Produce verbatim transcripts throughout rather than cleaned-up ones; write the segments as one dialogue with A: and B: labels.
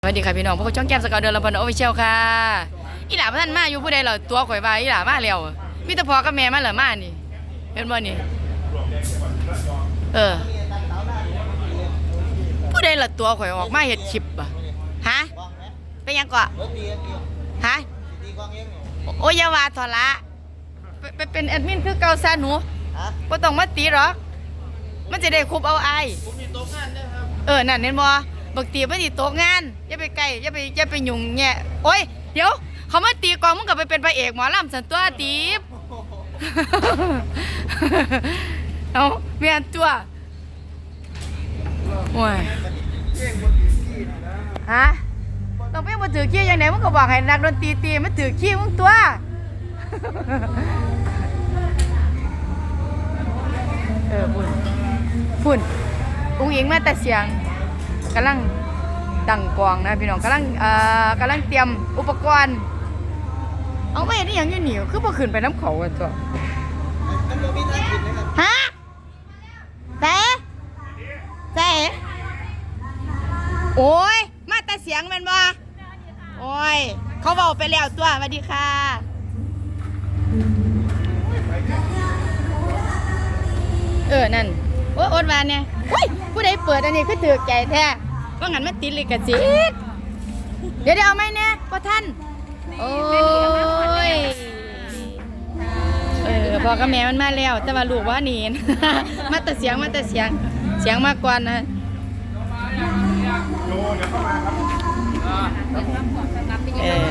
A: สวัสดีค่ะพี่น้องพวกช่องแก้มสกาวเดินลำพันธ์ออฟฟิเชียลค่ะอีหล่าท่านมาอยู่ผู้ใดเหรอตัวข่อยว่าอีหล่ามาแล้วมีแต่พ่อกับแม่มาเหรอมานี่เห็นบ่นี่เออผู้ใดเหรอตัวข่อยออกมาเห็ดคลิปอ่ะฮะเป็นยังก่อฮะโอ้ยาวาทอละไปเป็นแอดมินคือเกาซาหนูก็ต้องมาตีหรอกมันจะได้คุบเอาไอเออนั่นเห็นบ่บักตีมันตีโต๊ะงานอย่าไปใกล้อย่าไปอย่าไปยุ่งแง่โอ้ยเดี๋ยวเขามาตีกองมึงก็ไปเป็นพระเอกหมอลำสันตัวตีบเอาเมียนตัวโอ้ยฮะต้องเพ่งมาถือขี้อย่างไหนมึงก็บอกให้นักดนตรีตีมันถือขี้มึงตัวเออฝุ่นฝุ่นอุ้งอิงมาแต่เสียงกำลังดังกวางนะพี่น้องกำลังเอ่อกำลังเตรียมอุปกรณ์เอาไม่ได้ยังอยู่หนิวคือพอขึ้นไปน้ำเขากันตัวฮะเต้เต้โอ้ยมาแต่เสียงมันบ่โอ้ยเขาบอกไปแล้วตัวสวัสดีค่ะเออนั่นโอ้ยอดวานเนี่ยเฮ้ยผู้ใดเปิดอันนี้คือถือใจแท้ว่างั้นมันติดเลยกระจิตเดี๋ยวเดี๋ยวเอาไหมเนี่ยพ่อท่านโอ้ยเออพ่อกับแม่มันมาแล้วแต่ว่าลูกว่าหนีมาแต่เสียงมาแต่เสียงเสียงมากกว่านะเออ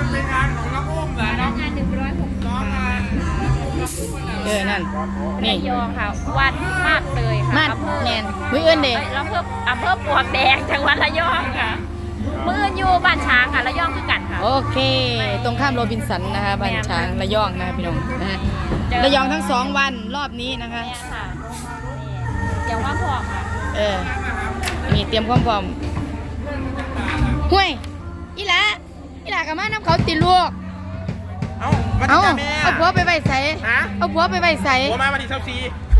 A: เออนั่นนี่
B: ยองค่ะวัดมากเลยค่ะ
A: มาดแนนมืออื่นเด็ก
B: อำเภออำเภอปลวกแดงจังหวัดระยองค่ะมืออื่นอยู่บ้านช้างค่ะระยองคือกันค่ะ
A: โอเคตรงข้ามโรบินสันนะคะบ้านช้างระยองนะคะพี่น้องนะฮะระยองทั้งสองวันรอบนี้นะคะ
B: เนี่ยค่ะนี่ยังว่าพอค่ะ
A: เออนี่เตรียมความพร้อมห้วยอีหล่าอีหล่ากับมาน้ำเขาติดลูก
C: เอามา
A: เอา
C: ที่แม่
A: เอาผัวไปไว้ใส่
C: ฮะ
A: เอาผัวไปไว้ใส่
C: ผัวมาวันที่เช้าซี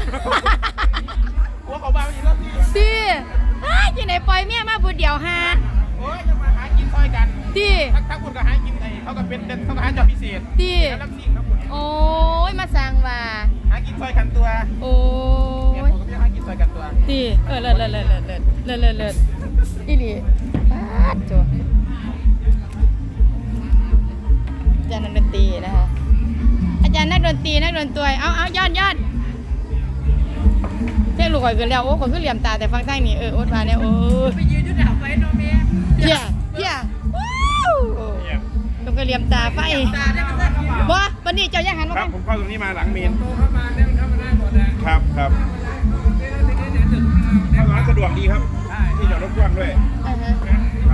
C: ผัวเขามาวันที่เช้าซี
A: ตีอ้ายที่ไหนปล่อยเมียมาผู้เดียวฮะ
C: โอ้ยจะมาหากินซอยกัน
A: ตี
C: ทักทักคุณก็หากินไอ้เขาก็เป็นเขาก็หาจอบพิเศษ
A: ตี
C: แล้วรับสิ่งครับคุณ
A: โอ้ยมาสั่งว่า
C: หากินซอยกันตัว
A: โอ้
C: เนี่ย
A: ย
C: ผมก็ไม่หากินซอยกันตัว
A: ตีเออเลิศเลิศเลิศเลิศเลิศเลิศเลิศเลิศอีหลีปาดจ้ะอาจารย์นักดนตรีนะคะอาจารย์นักดนตรีนักดนตรีเอาเอายอดยอดเท่ลูกข่อยขึ้นแล้วโอ้ข่อยขึ้นเหลี่ยมตาแต่ฟังทางนี้เออโอ๊ตมาเนี่ยโอ้ไปยืนอยู่ดับไฟโนเมียเพี้ยเพี้ยว้าวต้องก็เหลี่ยมตาไฟบ่วันนี้เจ้าย่างหันมา
C: ครับ
A: กัน
C: ผมเข้าตรงนี้มาหลังเมนครับครับเข้าร้านสะดวกดีครับที่จอดรถกว้างด้วย
A: อ่าฮะ
C: ครับ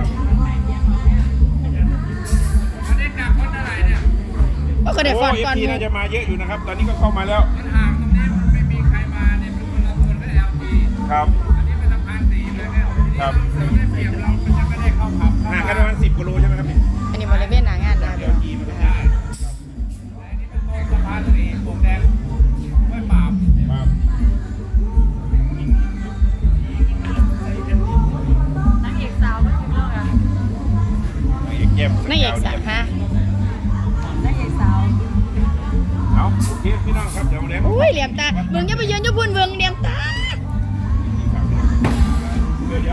A: ก็ก็ได้ฟอน
C: โอ้
A: ก่อน
C: เอฟซีน่าจะมาเยอะอยู่นะครับตอนนี้ก็เข้ามาแล้วครับครับห่างกันประมาณสิบกิโลใช่ไหมครับนี่
A: อันนี้บริเวณหน้างานนะ
C: เดี๋ยวขี่มาได้ครับ
B: นางเอกสาวก็ถึงแล้วค่ะ
C: นางเอกแก้ม
A: นางเอกสาวฮะ
B: นางเอกสาว
C: เอาโอเคพี่น้องครับเดี๋ยวมาเลี้ยง
A: อุ้ยเหลี่ยมตาเบิ่งอย่าไปยืนอยู่พุ่นเบิ่งเหลี่ยมตา
C: เดี๋ยวเดี๋ยว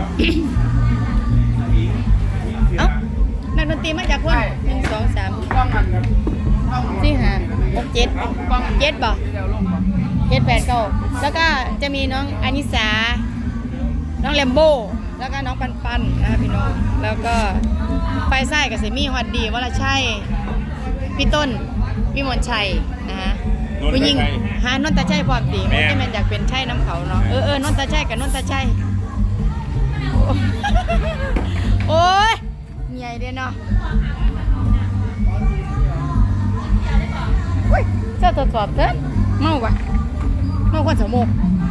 A: เอ้านักดนตรีมาจากคนหนึ่งสองสาม
C: กล้องมันครับ
A: สี่ห้าหกเจ็ดเจ็ดบ่เจ็ดแปดเก้าแล้วก็จะมีน้องอานิสาน้องแลมโบ้แล้วก็น้องปันปันนะคะพี่น้องแล้วก็ไฟไส้กับเสมี่ฮอดดีวรชัยพี่ต้นวิมลชัยนะฮะผู้หญิงหานนตาชัยพร้อมดีมันจะเป็นอยากเป็นชัยน้ำเขาเนาะเออเออนนตาชัยกับนนตาชัยโอ้ยใหญ่เด้เนาะอุ้ยเจ้าตรวจสอบเถอะเมากว่าเมาคนสมอง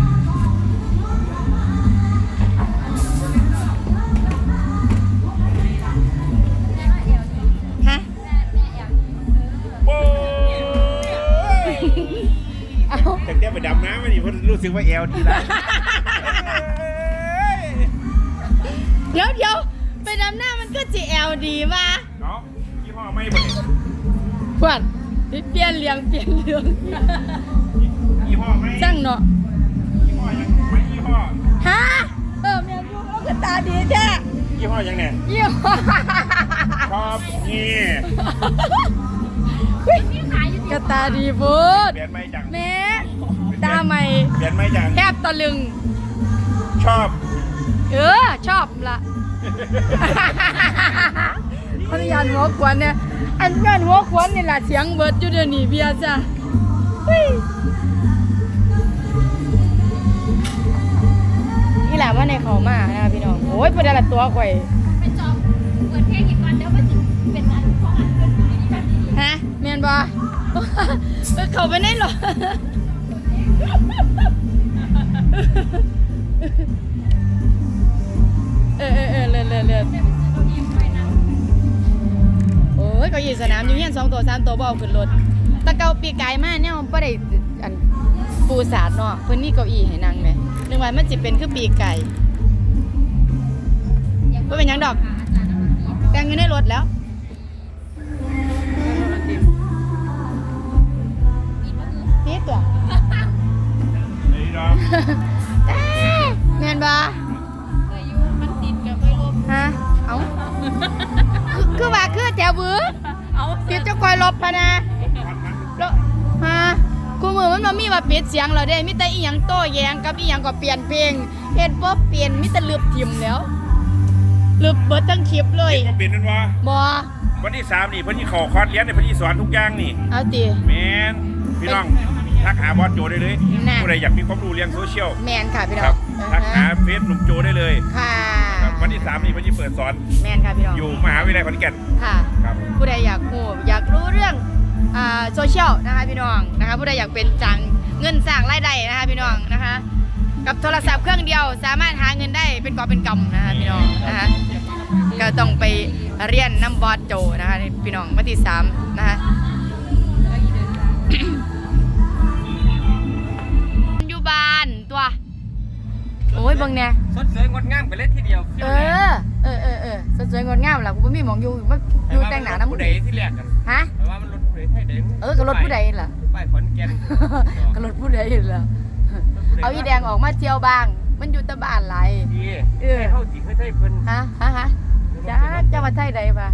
A: ฮะ
C: โอ้ย
A: เอา
C: แต่แกไปดำน้ำมาดิเพราะรู้สึกว่าแอลดีแล้ว
A: เดี๋ยวเดี๋ยวไปดำหน้ามันก็สิแอลดีมา
C: เนาะยี่ห้อไม่บ่เนี่ย
A: เพื่อนสิเปลี่ยนเรื่องเปลี่ยนเรื่อง
C: ยี่ห้อไม่
A: ช่างเนาะ
C: ยี่ห้อยังไม่ยี่ห้อ
A: ฮะเออแม่ลูกเอากระตาดีแท้
C: ยี่ห้อยังเนี่ย
A: ยี่ห้อ
C: ชอบนี่
A: กระตาดีพูด
C: เปลี่ยนไม่จัง
A: แม่ตาใหม่
C: เปลี่ยนไม่จัง
A: แทบตะลึง
C: ชอบ
A: เออ ชอบละขออนุญาตหัวขวัญเนี่ยอันงานหัวขวัญนี่แหละเสียงเบิดอยู่เดี๋ยวนี้เบียร์จ้ะเฮ้ยนี่แหละว่าในเขามานะคะพี่น้องโอ้ยพอได้ละตัวข่อย
B: ไปจอบเปิดเพลงอีกก่อนเดี๋ยวมันจะเป็นอันของอันเป็นอันนี้แบบนี้
A: ฮะเมียนบอ เออเขาไปไหนหรอเออเออเออเลิศเลิศเลิศโอ้ยเก็อยู่สนามอยู่เฮียนสองตัวสามตัวบ่เอาขึ้นรถตะเกาปีกายมาเนี่ยมันบ่ได้อันปูสาดเนาะเพิ่นมีเก้าอี้ให้นั่งไหมนึกว่ามันสิเป็นคือปีกไก่บ่เป็นหยังดอกแต่งอยู่ในรถแล้วนี่ตัว
C: ไอ้ดอก
A: แม่นบ่
B: เคยอยู่มันติดกับไม่ลบ
A: ฮะเอ้าคือคือว่าคือแถวบือ
B: เอา
A: ปิดเจ้าคอยลบพะนะแล้วฮะกูมือมันบ่มีว่าปิดเสียงแล้วเด้มีแต่อีหยังโต้แย้งกับอีหยังก็เปลี่ยนเพลงเฮ็ดบ่เปลี่ยนมีแต่ลืบทิ่มแล้วลืบเบิดทั้งคลิปเลย
C: ก็เปลี่ยนนั่นวะ
A: บ่
C: วันที่สามนี่เพิ่นที่ขอคอร์สเรียนเนี่ยเพิ่นที่สอนทุกอย่างนี่
A: เอาติ
C: แมนพี่น้องทักหาบอสโจได้เลย
A: น่ะ
C: ผู้ใดอยากมีความรู้เรื่องโซเชียล
A: แม่นค่ะพี่น้
C: ค
A: อ
C: รั
A: ง
C: บ
A: อ่า
C: ทักหา
A: ฮะ
C: เฟซหนุ่มโจได้เลย
A: ค่ะ
C: ครับวันที่สามนี่เพิ่นที่เปิดสอน
A: แม่นค่ะพี่น้อง
C: อยู่มหาวิทยาลัยขอนแก่น
A: ค่ะ
C: ครับ
A: ผู้ใดอยากรู้อยากรู้เรื่องอ่าโซเชียลนะคะพี่น้องนะคะผู้ใดอยากเป็นจังเงินสร้างรายได้นะคะพี่น้องนะคะ กับโทรศัพท์เครื่องเดียวสามารถหาเงินได้เป็นกอบเป็นกำนะคะพี่น้องนะคะก็ต้องไปเรียนน้ำบอสโจนะคะพี่น้องวันที่สามนะคะอยู่บ้านตัวโอ้ยเบังเนี่ย
D: สดสวยงดงามไปเลยทีเดียว
A: เออเออเออเออสวยๆงดงามล่ะกูไม่มีหมองอยู่ว่าอยู่แต่งหนาน้ำ
D: ผู้ใดที่แรกกัน
A: ฮะ
D: แต่ว่ามันรถผู้ใดไทยเด้ง
A: เออก็รถผู้ใดล่ะ
D: ป้ายขอนแก่น
A: ก็รถผู้ใดล่ะเอาอีแดงออกมาเที่ยวบาง มันอยู่แตะบ้านหลาย
D: ดี
A: เออ
D: ให้เข้าสิให้ไทยเพิ่น
A: ฮะฮะฮะจ้าเจ้าว่าไทยใดปะ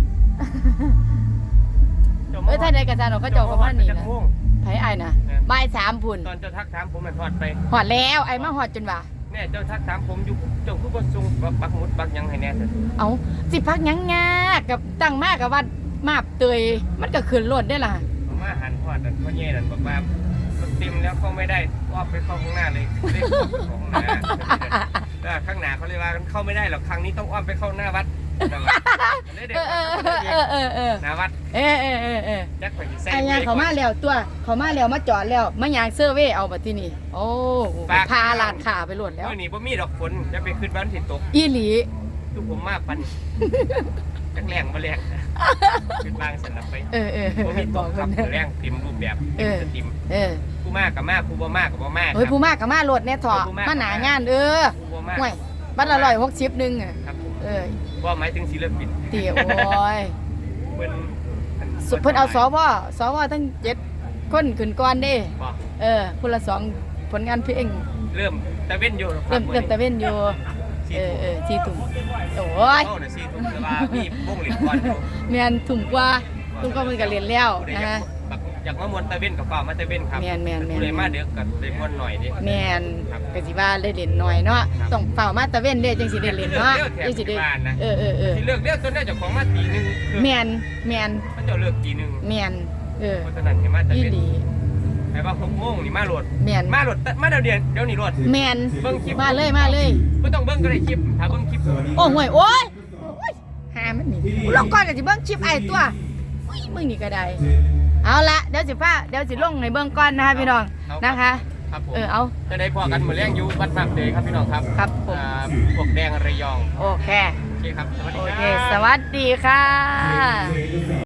A: เอ้ยไทยใดกระจานออกก็เจ้าก็มานี่นะไผไอ้ายนะบ่ายสามพุ่น
D: ตอนเจ้าทักถามผมมันทอดไป
A: หอดแล้วไอ้มาหอดจนว่า
D: แน่เจ้าทักถามผมอยู่เจ้าคือบ่ส่งปักหมุดปักหยังให้แน่เถอะ
A: เอาสิพักหยังงากับตั้งมากกับว่ามาบเตยมันก็ขึ้นรถได้ล่ะ
D: ผมมาหันทอดนั่นพ่อแย่นั่นบอกว่ารถเต็มแล้วเข้าไม่ได้ออกไปเข้าข้างหน้าเลยเรียกเข้าไปเข้าข้างหน้าแล้วข้างหน้าเขาเลยว่าเข้าไม่ได้หรอกครั้งนี้ต้องอ้อมไปเข้าหน้าวัดเลยเด็ก
A: เออเออเออเออเออ
D: หน้าวัด
A: เออเออเออเออ
D: ยักษ์ไปใส่
A: ไอ้ยางเขามาแล้วตัวเขามาแล้วมาจอดแล้วมายางเซอร์เว่เอาบัดที่นี่โอ้พาลานขาไปรวดแล้ว
D: เมื่อนี้บ่มีดอกฝนจะไปขึ้นบ้านสิตก
A: อีหลี
D: ทุกผมมาปันจักแรงมาแรงเป็นบางสนับไป
A: เออเออ
D: บ่มีต
A: บอก
D: ก
A: ค
D: ครับ
A: น
D: แรงเต็มรูปแบบ
A: เอ
D: เต็ม
A: อ
D: สตรีม
A: เออ
D: ผู้มากกับมากผู้บ่มากกับบ่มาก
A: เฮ้ยผู้มากกับมารถเนี่ยเถอะมาหนางานเออ
D: ผู้บ่มาก
A: ห่วยบัตรละร้อยหกสิบหนึ่งอ่ะ
D: ครับผม
A: เออ
D: ว่าหมายถึงศิลปิน
A: เตี๋ยวโอ้ย
D: เพิ่น
A: สุดเพิ่นเอาสวสวตั้งเจ็ดคนขึ้นก่อนเด้
D: บ่
A: เออคนละสองผลงานเพลง
D: เริ่มตะเว้นอยู่ค
A: เริ่ม
D: บ
A: เริ่มตะเว้นอยู่
D: สี่
A: เออ
D: ทุ่ม
A: เออสี่ถุงโอ้ย
D: เข้าน่ะสี่ทุ่มแต่ว่ามีวงเหล็กก่อนอยู่
A: แมนถุงกว่าถุงก็มันก็เรียนแล้ว
D: ผู้ใด
A: นะ
D: อยา
A: ฮะ
D: กแบบอยากมามวนตะเว้นกับฟ้ามาตะเว้นครับ
A: แม่นแม่นแม่น
D: ผู้ใดมาเด้อก็ได้มวนหน่อยดิ
A: แมนกสิว่าได้เล่นหน่อยเนาะต้องเฝ้ามาตะเว้นเด้จังสิได้เล่นเนาะจังสิได้เออเออเออ
D: สิเลิกเรียกจนได้เจ้าของมาตีหนึงคือ
A: แมนแมน
D: เขาเจ้าเลิกตีหนึง
A: แมนเออ
D: เพราะฉะนั้นให้มาตะ
A: อี
D: เว้น
A: หลี
D: ให้ว่าหกโมงนี่มาโหลด
A: แมน
D: มาโหลดมาเดี๋ยวเดียวเดี๋ยวนี้โหลด
A: แมน
D: เบิ่งคลิป
A: มาเลยมาเลย
D: บ่ต้องเบิ่งก็ได้คลิปถ้าเบิ่งคลิป
A: โอ้ห่วยโอ้ยโอ้ยหามันนี่กูลงก่อนก็สิเบิ่งคลิปไอ้ตัวอุ้ยมึงนี่ก็ได้เอาละเดี๋ยวสิพาเดี๋ยวสิลงให้เบิ่งก่อนนะคะพี่น้องนะคะ
D: ครับผม
A: เออเอา
D: จะได้พอกันมื้อแรงอยู่วัดมากเดยครับพี่น้องครับ
A: ครับผม
D: อ่าพวกแดงระยอง
A: โอเค
D: โอเคครับสวัสดี
A: โอ
D: ค
A: เค
D: รับ
A: สวัสดีค่ะ